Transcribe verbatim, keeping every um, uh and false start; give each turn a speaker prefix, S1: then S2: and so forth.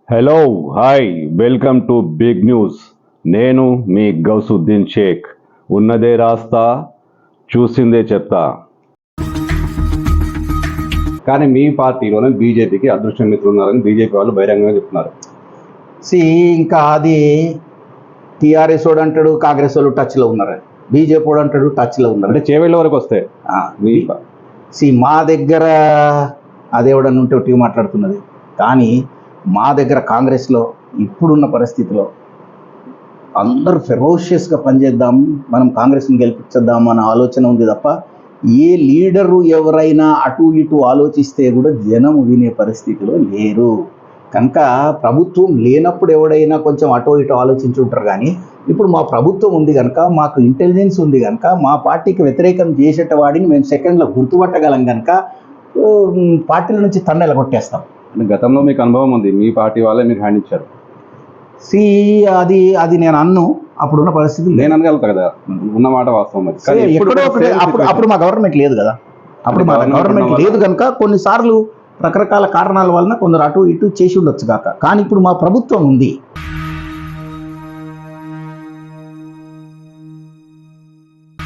S1: Hello hi welcome to big news. నేను మీ గౌసుద్దీన్ షేక్. ఉన్నదే రాస్తా, చూసిందే చెప్తా. కానీ మీ పార్టీలోనే బీజేపీకి అదృష్ట మిత్రులు ఉన్నారని బీజేపీ వాళ్ళు బహిరంగంగా చెప్తున్నారు.
S2: సి ఇంకా అది టీఆర్ఎస్ వాడు అంటాడు, కాంగ్రెస్ వాళ్ళు టచ్లో ఉన్నారు, బీజేపీ వాడు అంటాడు టచ్లో ఉన్నారు.
S1: అంటే చేవేళ్ళ వరకు వస్తే మీ
S2: సి మా దగ్గర అదేవడని ఉంటే ఒకటి మాట్లాడుతున్నది, కానీ మా దగ్గర కాంగ్రెస్లో ఇప్పుడున్న పరిస్థితిలో అందరూ ఫెరోషియస్గా పనిచేద్దాం, మనం కాంగ్రెస్ని గెలిపించేద్దాం అన్న ఆలోచన ఉంది తప్ప ఏ లీడరు ఎవరైనా అటు ఇటు ఆలోచిస్తే కూడా జనం వినే పరిస్థితిలో లేరు. కనుక ప్రభుత్వం లేనప్పుడు ఎవడైనా కొంచెం అటో ఇటో ఆలోచించుంటారు, కానీ ఇప్పుడు మా ప్రభుత్వం ఉంది కనుక, మాకు ఇంటెలిజెన్స్ ఉంది కనుక, మా పార్టీకి వ్యతిరేకం చేసేట వాడిని మేము సెకండ్లో గుర్తుపట్టగలం కనుక పార్టీల నుంచి తండెల కొట్టేస్తాం.
S1: గతంలో మీకు అనుభవం ఉంది, మీ పార్టీ వాళ్ళే మీకు హ్యాండ్ ఇచ్చారు.
S2: సి అది అది నేను అన్ను అప్పుడున్న పరిస్థితి
S1: నేను అనగలుగుతా కదా, ఉన్న మాట వాస్తవం.
S2: ఎక్కడో ఒకటి అప్పుడు అప్పుడు మా గవర్నమెంట్ లేదు కదా, అప్పుడు మా గవర్నమెంట్ లేదు కనుక కొన్నిసార్లు రకరకాల కారణాల వలన కొందరు అటు ఇటు చేసి ఉండొచ్చు కాక, కానీ ఇప్పుడు మా ప్రభుత్వం ఉంది.